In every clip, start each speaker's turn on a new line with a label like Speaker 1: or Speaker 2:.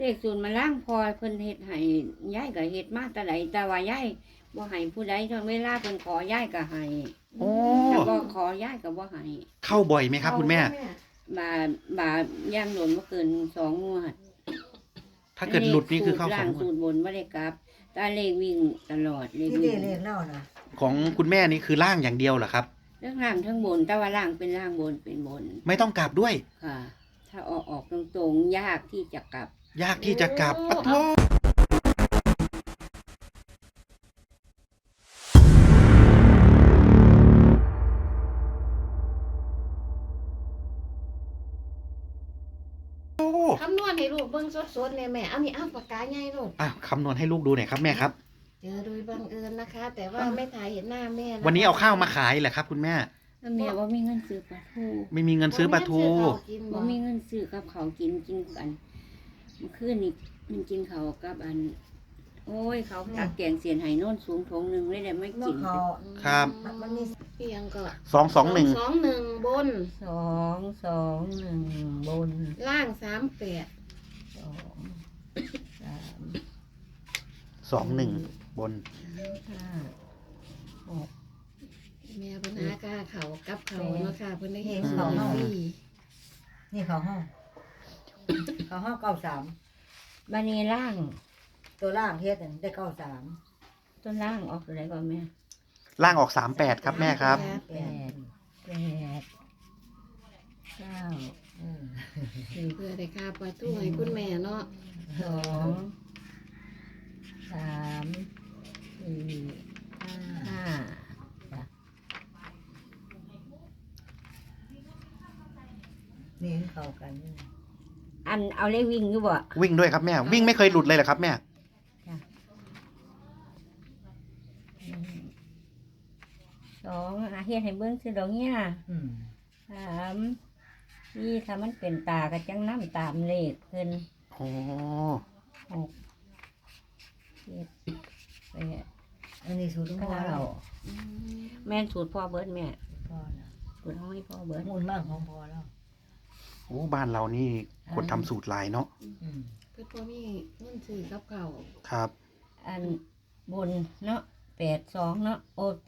Speaker 1: เลขศูนย์มาล่างพอเพิ่นเฮ็ดให้ยายก็เฮ็ดมาแต่ใดแต่ว่ายายบ่ให้ผู้ใดจนเวลาเพิ่นขอยายก็ให้
Speaker 2: โอ้
Speaker 1: แต่บ่ขอยายก็บ่ให้
Speaker 2: เข้าบ่อยไหมครับคุณแม่
Speaker 1: บาทย่างหล่นบ่เกิน2งวด
Speaker 2: ถ้าเกิดหลุดนี่คือเข้าส
Speaker 1: ล่า
Speaker 2: องงว
Speaker 1: สู
Speaker 2: ด
Speaker 1: ตรบนบ่ได้กลับแตาเลขวิ่งตลอดเลข
Speaker 3: ที่
Speaker 1: วิ่
Speaker 3: เด็
Speaker 1: ง
Speaker 3: เรียกเล่านะ
Speaker 2: ของคุณแม่นี่คือล่างอย่างเดียวเหรอครับ
Speaker 1: เรื่องล่างทั้งบนแต่ว่าล่างเป็นล่างบนเป็นบน
Speaker 2: ไม่ต้องกลับด้วย
Speaker 1: ค่ะ ถ้าออกตรงๆยากที่จะกลับ
Speaker 2: ยากที่จะกลับปะโทโอ้
Speaker 4: คำนวณให้ลูกเบิ่งสดๆเลยแม่เอานี่เอาปากกาใหญ่ลูก
Speaker 2: อ่ะคำนวณให้ลูกดูหน่อยครับแม่ครับ
Speaker 4: เจอโดยบังเอิญนะคะ แต่ว่าไม่ถ่ายเห็นหน้าแม่ะคะ
Speaker 2: วันนี้เอาข้าวมาขายเหรอครับ คุณแม่
Speaker 1: แล้วแม่ว่ามีเงินซื้อปลาทู
Speaker 2: ไม่มีเงินซื้อปลาทู
Speaker 1: ว่ามีเงินซื้อกับเขาวกินกันเมื่อคืนนี่มันกินเขาวกับอัน โอ้ยเขาตักแกงเสียนไห้โน่นสูงถงหนึ่งเลยแต่ไม่
Speaker 3: เมื่
Speaker 1: กิ
Speaker 3: อน เขา
Speaker 2: ครับ
Speaker 3: มันมี
Speaker 4: เพียงก็
Speaker 2: 221
Speaker 4: 221บน
Speaker 1: 221บน
Speaker 4: ล่าง 38
Speaker 1: 2 3
Speaker 2: 21 บน
Speaker 1: 5
Speaker 4: แม่ปัญหากาเขากับเขาเนาะค่ะเพิ่นได้เห็น
Speaker 2: เขาเนาะ
Speaker 3: นี่เขาห้องเขาห้อง93
Speaker 1: บานีล่าง
Speaker 3: ตัวล่างเฮ็ดนั่นได้93
Speaker 1: ต้นล่างออกอะไรก่อนแม่
Speaker 2: ล่างออก 38 ครับแม่ครับ
Speaker 1: 8 9
Speaker 4: เพื่อได้ค่าปลาทูให้คุณแม่เนาะ
Speaker 1: 2 3 4 5
Speaker 3: นี่เข้ากันนี่
Speaker 1: อันเอาเลขวิ่งอยู่บ่
Speaker 2: วิ่งด้วยครับแม่ วิ่งไม่เคยหลุดเลยเหรอครับแม่
Speaker 1: 2เฮ็ดให้เบิ่งคือดอกเนี้ย
Speaker 3: อืม
Speaker 1: 3นี่ถ้ามันเป็นตาก็จังน้ำตามเลขเพิ่น
Speaker 2: โอ้
Speaker 1: 6 7 8
Speaker 3: อันนี้สูตรของพ่อเรา
Speaker 1: แม่นสูตรพ่อเบิดแม่
Speaker 3: พ่อนะ
Speaker 1: สูตรของให้พ่อเบิด
Speaker 3: มูลมากของพ่อเรา
Speaker 2: โหบ้านเรานี่คนทำสูตรหลายเนาะ
Speaker 3: อืม
Speaker 4: เพิ่นบ่มีเงินซื้อกับเขาว
Speaker 2: ครับ
Speaker 1: อันบนเนาะ82เนาะโอ้8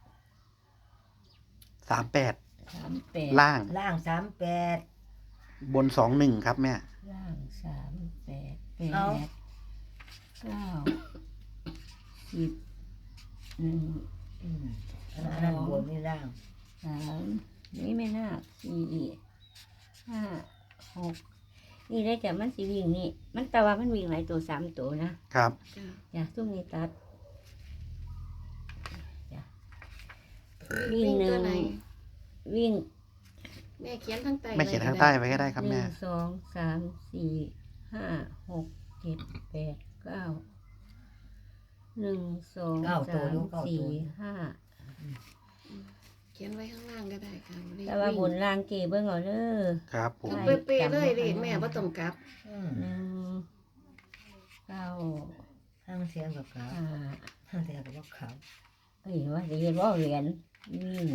Speaker 2: 38
Speaker 1: 38
Speaker 2: ล่าง
Speaker 3: ล่าง38
Speaker 2: บน 21 ครับแม่
Speaker 1: ล่าง3 8
Speaker 3: เอา
Speaker 1: 8 9 10 1
Speaker 3: อืมอันนั้นบนนี่ล่าง
Speaker 1: 3นี่ไม่น่า4 5 6นี่ได้แต่มันสิวิ่งนี่มันแต่ว่ามันวิ่งหลายตัว3ตัวนะครับ
Speaker 4: จ้ะ
Speaker 1: อย่าซุ่มนี่ตัดจ้ะวิ่งหนึ่
Speaker 4: ตัว
Speaker 1: ง
Speaker 4: ไหน
Speaker 1: วิ่ง
Speaker 4: แม่เขียนทั้งใต้
Speaker 2: แม่เขียนข้างใต้ไว้ก็ได้ครับ
Speaker 1: ห
Speaker 2: แม่
Speaker 1: นึ่ง2 3 4 5 6 7 8 9 1 2 3 4 5
Speaker 4: เขียนไว้ข้างล่างก็ได้ค่ะเลข
Speaker 1: แต่ว่าบนล่างเกเบิ่งเอาเด้อ
Speaker 2: ครับผม
Speaker 4: คือเป๊ะๆเลยเลขแม่บ่ต้องกลับ
Speaker 3: อืม
Speaker 1: 1 9
Speaker 3: ห้างเสียงกับเขา
Speaker 1: 5
Speaker 3: ห้างเสียงกับเขา
Speaker 1: เอ้ยว่าสิเฮ็ดบ่เหรียญวิ่ง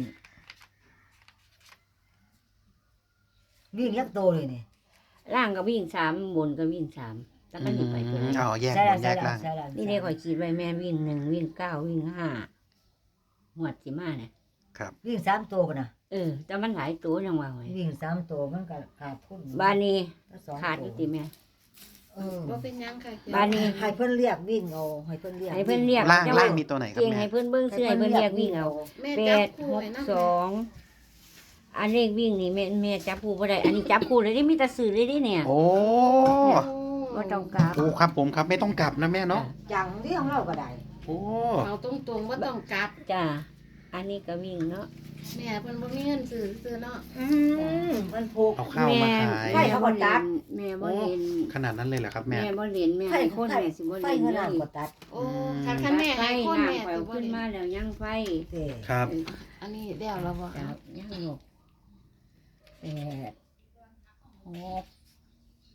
Speaker 3: วิ่งยักษ์โตเลยนี่
Speaker 1: ล่างก็วิ่ง3บนก็วิ่ง3แล้วก็นี่ไปตัวไหน
Speaker 2: อ๋อแยก
Speaker 3: ใช่
Speaker 2: บ
Speaker 3: ละ
Speaker 2: นแย
Speaker 3: ใช่
Speaker 2: ก
Speaker 3: ละ
Speaker 2: ล่าง
Speaker 3: ใช่ละ
Speaker 1: นี่เด้ข่อยคิดไว้แม่วิ่ง1วิ่ง9วิ่ง5หมวดสิมาเนี่ย
Speaker 2: ครับ
Speaker 3: วิ่ง3ตัวป่ะนะ
Speaker 1: แต่มันหลายตัวจังว่าไว้
Speaker 3: วิ่ง3ตัวมันก็ขาดทุน
Speaker 1: บ้านนี้
Speaker 3: แล้วสอง
Speaker 1: ขาดอยู่ติแม่
Speaker 4: บ่เป็นหยังค่ะเขีย
Speaker 1: บ้านนี้
Speaker 3: ให้เพิ่นเรียกวิ่งเอาให้เพิ่นเรียก
Speaker 1: ให้เพิ่นเรียก
Speaker 2: ล่าง
Speaker 1: จัง
Speaker 2: ล่า
Speaker 1: ว่าง
Speaker 2: มีตัวไหนครับ
Speaker 1: เก่ง
Speaker 2: แม่
Speaker 1: ให้เพิ่นเบิ่งซื้อให้เพิ่นเรียกวิ่งเอา
Speaker 4: แม่
Speaker 1: แป
Speaker 4: จับ
Speaker 1: ด
Speaker 4: คู่
Speaker 1: หก
Speaker 4: ให้นำ
Speaker 1: สองอันเลขวิ่งนี่แม่จับคู่บ่ได้อันนี้จับคู่เลยได้มีแต่ซื้อเลยดิเนี่ย
Speaker 2: โอ้
Speaker 1: บ่ต้องกลับ
Speaker 2: โอ้ครับผมครับไม่ต้องกลับนะแม่เนาะ
Speaker 3: จังเรียกเราก็ได้
Speaker 2: โอ้
Speaker 4: เอาตรงๆบ่ต้องกลับ
Speaker 1: จ้าอันนี้ก็วิ่งเนาะ
Speaker 4: แม่เพิ่นบ่มีเงินซื้อเนาะ
Speaker 3: มันผูก
Speaker 2: เอาข้าวมาขาย
Speaker 3: ไฟเขาบ่ตัด
Speaker 1: แม่บ่เล่น
Speaker 2: ขนาดนั้นเลยเหรอครับแม่
Speaker 1: แม่บ่เล่นแม่ให้คนแม่สิบ่
Speaker 3: ไฟ
Speaker 1: เล่น
Speaker 3: เงิน
Speaker 1: เล
Speaker 3: น้ำ
Speaker 1: ย
Speaker 3: ก็ตัด
Speaker 4: โอ้คันแม่ให้คนแม่
Speaker 1: ไฟ
Speaker 4: สิบ่
Speaker 1: ขึ้น
Speaker 4: ได้
Speaker 1: มาแล้วยังไฟ
Speaker 3: เด้
Speaker 2: ครับ
Speaker 4: อันนี้เดี๋ยวเราบ่ค
Speaker 1: จั
Speaker 4: รั
Speaker 1: บบยังหก8 6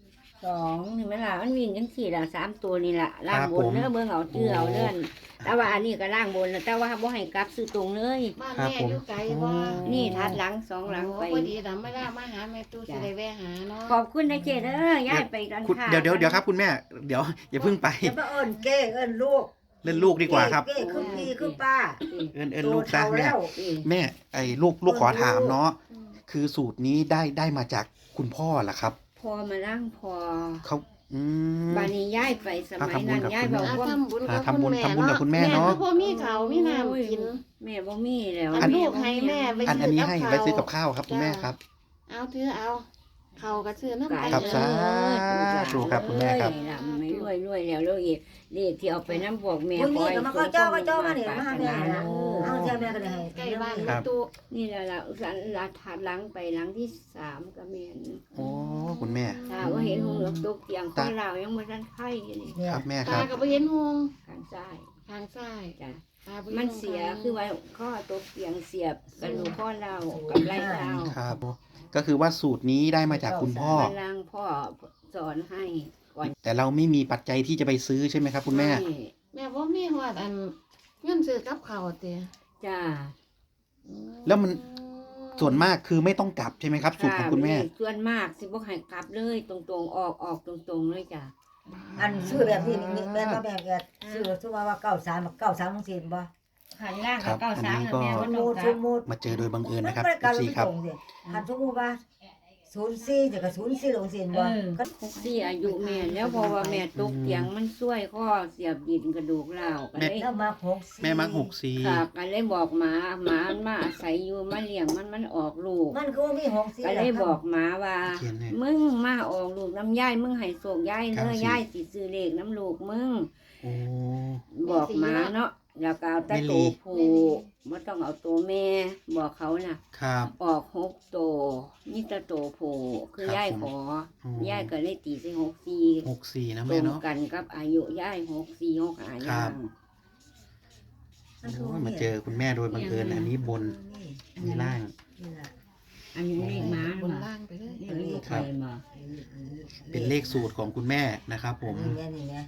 Speaker 1: 2นี่แม่ล่ะมันวิ่งจังซี่ล่ะ3ตัวนี่ล่ะล่าง
Speaker 2: ครับ
Speaker 1: บ
Speaker 2: ผ
Speaker 1: น
Speaker 2: ม
Speaker 1: เด้อเบิ่งเอาเตื้อเอาเลื่อนแต่ว่าอันนี้ก็ล่างบนแล้วแต่ว่าบ่ให้กลับซื้อตรงเลย
Speaker 4: บ้าน
Speaker 2: ครับ
Speaker 4: แม่
Speaker 2: ผม
Speaker 4: อยู่ไกลบ่
Speaker 1: นี่ทัดหลัง2หลังไป
Speaker 4: พอดีมาหาแม่ตู้สิได้แวะหาเนาะ
Speaker 1: ขอบคุณนะเจเด้อยายไปกัน
Speaker 2: คุณ
Speaker 1: ค่ะ
Speaker 2: เดี๋ยวครับคุณแม่ เดี๋ยวอย่าเพิ่งไป
Speaker 3: จะมาเอิ้นเก้เอิ้นลูก
Speaker 2: เล่นลูกดีกว่าครับ
Speaker 3: เก้คือพี่คือป้า
Speaker 2: เอินลูกซะ
Speaker 3: โต
Speaker 2: แม่
Speaker 3: แล้ว
Speaker 2: แม่ไอ้ลูกขอถามเนาะ
Speaker 4: อืม
Speaker 2: คือสูตรนี้ได้มาจากคุณพ่อเหรอครับ
Speaker 1: พอมาล่างพอ
Speaker 2: เขาอืม
Speaker 1: บานี้ย้ายไปสมัยนั้น
Speaker 2: ทำบุญกับ
Speaker 1: ย้ายบอก
Speaker 4: อ่ะ
Speaker 1: ว่า
Speaker 4: ทำบุญกับ
Speaker 2: ทำบุญ
Speaker 4: คุณแม่
Speaker 2: กับคุณแม่เนาะ
Speaker 4: ก็บ่มีข้าวมีน้ำกิน
Speaker 1: แม่บ่มีแล้ว
Speaker 4: อันลูกให้แม่ไป
Speaker 2: อันนี้ให้
Speaker 4: ซื้อกับ
Speaker 2: ไปซื้อกับ
Speaker 4: ข้าว
Speaker 2: ข้าวครับคุณแม่ครับ
Speaker 4: เอาถือเอาเขาก็ซื้อน้ำ
Speaker 2: ครับ
Speaker 4: เอ
Speaker 2: สาธุครับคุณแม่ครับ
Speaker 1: ไม่รวยแล้วแล้วอีกเลขที่เอาไปน้ำพวกแม่
Speaker 3: คุณ
Speaker 1: ค
Speaker 3: นี่
Speaker 1: อย
Speaker 3: ก็มาเขาเจ้ามาเนี่ยมาหาแม่นะเอาเจ้าแม่ก็ได้ให้
Speaker 4: ใกล้บ้าน
Speaker 2: ครับ
Speaker 4: ตู้
Speaker 1: นี่แหละละถัดหลังไปหลังที่3ก็แม่น
Speaker 2: โอ้คุณแม่
Speaker 1: ถ้าว่าเห็นหงเหลืองตกเตียงคนเรายังบ่ทันไข่อยู่นี่
Speaker 3: เนี่ย
Speaker 2: ครับแม่ค
Speaker 4: ตา
Speaker 2: รับ
Speaker 4: ก็บ่เห็นหง
Speaker 1: ข้างซ้าย
Speaker 4: ทางซ้าย
Speaker 1: จ้ะ
Speaker 4: ตาบ่ห็
Speaker 1: มัน
Speaker 4: หง
Speaker 1: เสีย
Speaker 4: ทาง
Speaker 1: คือว่าข้อตกเตียงเสียบกระดูกข้อเรากับไหล่เรา
Speaker 2: ครับ ก็คือว่าสูตรนี้ได้มาจากคุณพ่อ
Speaker 1: พลังพ่อสอนให้ก่อน
Speaker 2: แต่เราไม่มีปัจจัยที่จะไปซื้อใช่ไหมครับคุณแม่
Speaker 1: ให้
Speaker 4: แม่บ่มีฮอดอันเงินซื้อกับข้าวเตี้ย
Speaker 1: จ้า
Speaker 2: แล้วมัน ส่วนมากคือไม่ต้องกลับใช่ไหมครับ สูตรของคุณแม่
Speaker 1: ส่วนมากสิบ่ให้กลับเลยตรงๆออกตรงๆเลยจ้ะ
Speaker 3: อันซื้อแบบนี้นี่แม่มาแบบแกซื้อซื้อว่า93จังซี่บ่
Speaker 1: ขันล่าง
Speaker 2: ครั
Speaker 1: กับบ เก้าสาม
Speaker 2: อันนี้ก็
Speaker 1: แม่
Speaker 3: ส
Speaker 1: ว่าม
Speaker 3: มุ
Speaker 1: ต้อง
Speaker 3: ติ
Speaker 1: ก
Speaker 3: ส
Speaker 1: ลับ
Speaker 3: มมุติ
Speaker 2: มาเจอโดยบังเอิญนะครับ
Speaker 3: มันก็
Speaker 2: FC ครับ
Speaker 3: คันสมมุติว่า04จะก็04ลงซี่บ่ก็
Speaker 1: ที่อายุแม่แล้วเพราะว่าแม่ตกเตียงมันช่วยข้อเสียบดินกระดูกเล่าวก็เลย
Speaker 3: แล้วมา64
Speaker 2: แม่มัก64
Speaker 1: ค่ะก็เลยบอกหมามันมาอาศัยอยู่มาเลี้ยงมันออกลูก
Speaker 3: มันก็มี64
Speaker 1: ก็เลยบอกหมาว่า
Speaker 2: เขียนให้
Speaker 1: มึงมาออกลูกน้ำย่ายมึงให้โศกย่ายเนื้
Speaker 2: ครับ
Speaker 1: อย่ายสิซื้อเลขน้ำลูกมึง
Speaker 2: โอ้
Speaker 1: บอกหมาเนาะแล้วก็เอาแต่
Speaker 2: แม่ลี
Speaker 1: ตัวผู้ไม่ต้องเอาตัวแม่ บอกเขาน่ะ
Speaker 2: ครับ
Speaker 1: ออก6ตัวนี่แต่ตัวผู้คือย่ายขอ
Speaker 2: อ๋
Speaker 1: ย่ายก็เลยตีใส่
Speaker 2: 64นะ
Speaker 1: ตร
Speaker 2: แม่
Speaker 1: ง
Speaker 2: เนาะ
Speaker 1: กันกับอายุย่าย64 65
Speaker 2: ครั
Speaker 1: ย่า
Speaker 2: บ
Speaker 1: ง
Speaker 2: โอ้ยมาเจอคุณแม่โดยบังเอิญอันนี้บนอันนี้ล่าง
Speaker 3: นี่ล่ะ
Speaker 1: อันนี้เลขหมา
Speaker 4: บน
Speaker 1: มา
Speaker 4: ล่างไปเลย
Speaker 1: เลขลูก
Speaker 2: ครั
Speaker 1: ไป
Speaker 2: บ
Speaker 1: มา
Speaker 2: เป็นเลขสูตรของคุณแม่นะครับผม
Speaker 3: นี่ไง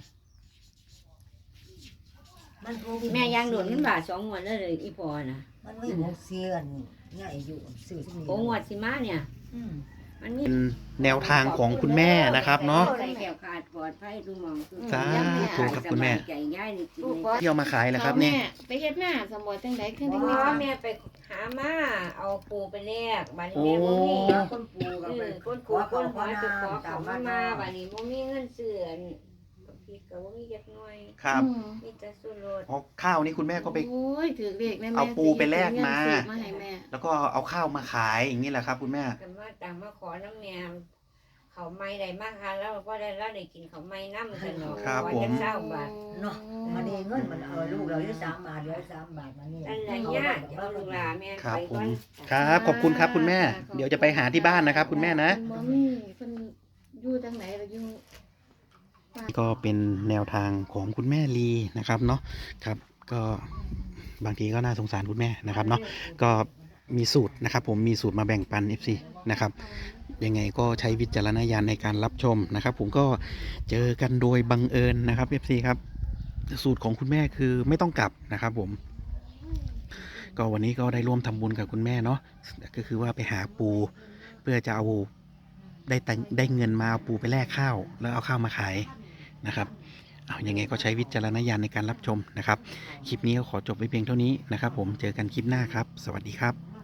Speaker 3: มันก็
Speaker 1: แม่ยางโดนขึ้นบาท2งวดเลยอีพอน่ะ
Speaker 3: มันไม่64อันเนี่ยอายุซื้อซุนี่
Speaker 1: โอ้งวดสิมาเนี่ย
Speaker 3: อืม
Speaker 1: มันมี
Speaker 2: เป็นแนวทางของคุณแม่นะครับเนาะ
Speaker 1: ใส่แก้วขาดปลอดภัยทุกหมองทุก
Speaker 2: สาธุครับคุณแม่
Speaker 1: สบายใจย่ายนี่กิน
Speaker 4: ลูก
Speaker 1: เลย
Speaker 4: บ่
Speaker 2: เที่ยวมาขายแล้วครับ
Speaker 4: เอา
Speaker 2: นี่
Speaker 4: แม่ไปเฮ็ดหน้าสมบูรณ์จังได๋ขึ้นได้
Speaker 1: อ๋
Speaker 4: มี
Speaker 1: อ
Speaker 4: ข้าว
Speaker 1: แม่ไปหามาเอาปูไปแลกบัดนี้แม่บ่มี
Speaker 3: เอาคนปลูกเอาไป
Speaker 1: ก้นปูก้นหอยไปขอเขามาบัดนี้บ่มีเงินซื้ออันพริกก็บ่มีจักหน่อย
Speaker 2: ครับ
Speaker 4: อืม
Speaker 1: มีแต่สู้รส
Speaker 2: อ๋อข้าวนี่คุณแม่ก็ไป
Speaker 4: โอ้ยถือเลขแม่
Speaker 2: เอาปูไปแลกมา
Speaker 4: เงินซื้อมาให้แม่
Speaker 2: แล้วก็เอาข้าวมาขายอย่างนี้แหละครับ คุณแม่
Speaker 1: กันมาต่างมาขอน้ำแม่เขาไม่ได้มากค่ะแล้วก็ได้แล้วได้กินเขาไม่น้ำสนอ
Speaker 2: ครับ
Speaker 1: วัน
Speaker 2: ผม
Speaker 1: จะเศร้าบาท
Speaker 3: เนาะมันนี่เงินมันลูกเราได้3 บาทเหลือ3 บาทมานี่
Speaker 1: นั่นแหละญาติเอาลูกหลานแม่
Speaker 2: ครับ
Speaker 1: ไป
Speaker 2: ผ
Speaker 1: ก่อ
Speaker 2: ม
Speaker 1: น
Speaker 2: ครับขอบคุณครับคุณแม่ เดี๋ยวจะไปหาที่บ้านนะครับ คุณแม่นะ
Speaker 4: เพิ่บ่มีเพิ่นอยู่จังไหนล่ะอยู่
Speaker 2: ก็เป็นแนวทางของคุณแม่ลีนะครับเนาะครับก็บางทีก็น่าสงสารคุณแม่นะครับเนาะก็มีสูตรนะครับ ผมมีสูตรมาแบ่งปัน FC นะครับยังไงก็ใช้วิจารณญาณในการรับชมนะครับ ผมก็เจอกันโดยบังเอิญนะครับ FC ครับสูตรของคุณแม่คือไม่ต้องกลับนะครับ ผมก็วันนี้ก็ได้ร่วมทำบุญกับคุณแม่เนาะก็คือว่าไปหาปูเพื่อจะเอาได้เงินมาเอาปูไปแลกข้าวแล้วเอาข้าวมาขายนะครับเอายังไงก็ใช้วิจารณญาณในการรับชมนะครับ คลิปนี้ก็ขอจบไว้เพียงเท่านี้นะครับ ผมเจอกันคลิปหน้าครับ สวัสดีครับ